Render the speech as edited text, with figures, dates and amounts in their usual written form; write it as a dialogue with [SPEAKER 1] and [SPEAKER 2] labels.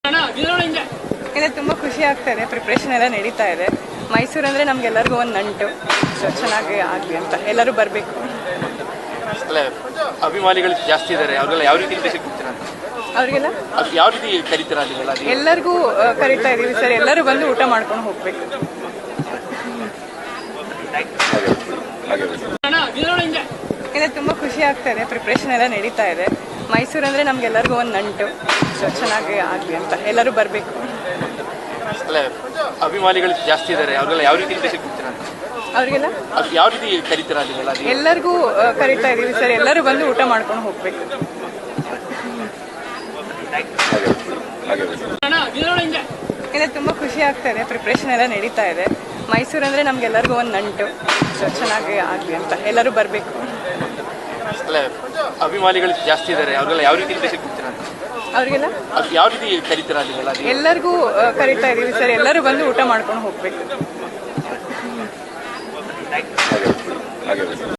[SPEAKER 1] ಇದೆ ತುಂಬ ಖುಷಿ ಆಗ್ತಾ ಇದೆ. ಪ್ರಿಪ್ರೇಷನ್ ಎಲ್ಲ ನಡೀತಾ ಇದೆ. ಮೈಸೂರು ಅಂದರೆ ನಮಗೆಲ್ಲರಿಗೂ ಒಂದು ನಂಟು. ಸೊ ಚೆನ್ನಾಗಿ ಆಗಲಿ ಅಂತ ಎಲ್ಲರೂ ಬರಬೇಕು.
[SPEAKER 2] ಅಭಿಮಾನಿಗಳು ಜಾಸ್ತಿ ಇದ್ದಾರೆ, ಅವ್ರಿಗೆಲ್ಲ ಯಾವ ರೀತಿ ಇಂಟ್ರೆಸ್ಟ್ ಕೊಡ್ತೀರಾ ಅಂತ?
[SPEAKER 1] ಅವರಿಗೆಲ್ಲ
[SPEAKER 2] ಅದು ಯಾವ ರೀತಿ ಕರೀತೀರಾ ನೀವೆಲ್ಲ?
[SPEAKER 1] ಎಲ್ಲರಿಗೂ ಕರಿತಾ ಇದೀವಿ ಸರ್. ಎಲ್ಲರೂ ಬಂದು ಊಟ ಮಾಡ್ಕೊಂಡು ಹೋಗ್ಬೇಕು. ಇದೆ ತುಂಬ ಖುಷಿ ಆಗ್ತಾ ಇದೆ. ಪ್ರಿಪ್ರೇಷನ್ ಎಲ್ಲ ನಡೀತಾ ಇದೆ. ಮೈಸೂರು ಅಂದರೆ ನಮಗೆಲ್ಲರಿಗೂ ಒಂದು ನಂಟು. ಸೊ ಚೆನ್ನಾಗಿ ಆಗಲಿ ಅಂತ ಎಲ್ಲರೂ ಬರಬೇಕು.
[SPEAKER 2] ಅಭಿಮಾನಿಗಳು ಜಾಸ್ತಿ ಇದ್ದಾರೆ, ಅವ್ರಿಗೆಲ್ಲ ಯಾವ ರೀತಿ ಇಂಟ್ರೆಸ್ಟ್ ಕೊಡ್ತೀರಾ ಅಂತ?
[SPEAKER 1] ಅವರಿಗೆಲ್ಲ
[SPEAKER 2] ಅದು ಯಾವ ರೀತಿ ಕರೀತೀರಾ ನೀವೆಲ್ಲ?
[SPEAKER 1] ಎಲ್ಲರಿಗೂ ಕರಿತಾ ಇದೀವಿ ಸರ್. ಎಲ್ಲರೂ ಬಂದು ಊಟ ಮಾಡ್ಕೊಂಡು ಹೋಗ್ಬೇಕು. ಇದೆ ತುಂಬ ಖುಷಿ ಆಗ್ತಾ ಇದೆ. ಪ್ರಿಪ್ರೇಷನ್ ಎಲ್ಲ ನಡೀತಾ ಇದೆ. ಮೈಸೂರು ಅಂದರೆ ನಮಗೆಲ್ಲರಿಗೂ ಒಂದು ನಂಟು. ಸೊ ಚೆನ್ನಾಗಿ ಆಗಲಿ ಅಂತ ಎಲ್ಲರೂ ಬರಬೇಕು.
[SPEAKER 2] ಅಭಿಮಾನಿಗಳು ಜಾಸ್ತಿ ಇದ್ದಾರೆ, ಅವ್ರಿಗೆಲ್ಲ ಯಾವ ರೀತಿ ಇಂಟ್ರೆಸ್ಟ್ ಕೊಡ್ತೀರಾ ಅಂತ?
[SPEAKER 1] ಅವರಿಗೆಲ್ಲ
[SPEAKER 2] ಅದು ಯಾವ ರೀತಿ ಕರೀತೀರಾ ನೀವೆಲ್ಲ?
[SPEAKER 1] ಎಲ್ಲರಿಗೂ ಕರಿತಾ ಇದೀವಿ ಸರ್. ಎಲ್ಲರೂ ಬಂದು ಊಟ ಮಾಡ್ಕೊಂಡು ಹೋಗ್ಬೇಕು.